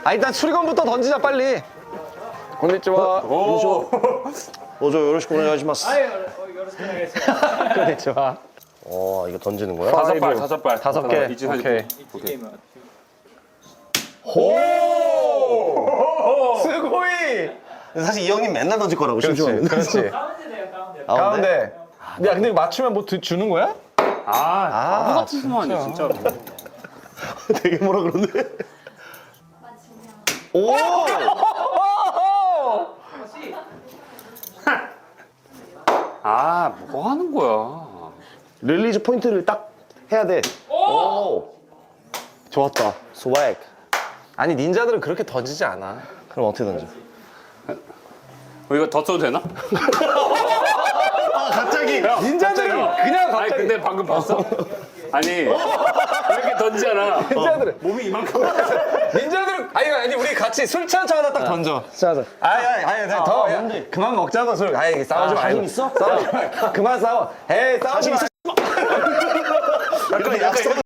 아 일단 수리건부터 던지자 빨리. 곤니치와. 어저 요로시코 오네가시마스. 곤니치와. 이거 던지는 거야? 다섯 발, 다섯 발. 5개. 이지 사진. 오케이. 스고이. 사실 이 형님 맨날 던질 거라고 그렇지. 심심하면. 그렇지. 가운데. 야 근데 맞추면 뭐 주는 거야? 바보 같은 소만이야, 진짜로. 되게 뭐라 그러는데? 오! 뭐 하는 거야. 릴리즈 포인트를 딱 해야 돼. 오! 좋았다. 스웩. 아니 닌자들은 그렇게 던지지 않아. 그럼 어떻게 던져? 이거 더 써도 되나? 갑자기! 닌자들은 그냥 아니, 갑자기. 근데 방금 봤어? 아니, 이렇게 던지잖아. 닌자들은 몸이 이만큼. 닌자들은 아니 우리 같이 술 취한 척 하다 딱 던져. 짜자. 아니 더 야, 뭔데? 그만 먹자고 술. 아이 싸우지 말고. 자신 있어? 싸우지 말고. 그만 싸워. 에이 싸우지 마. 약간 약속.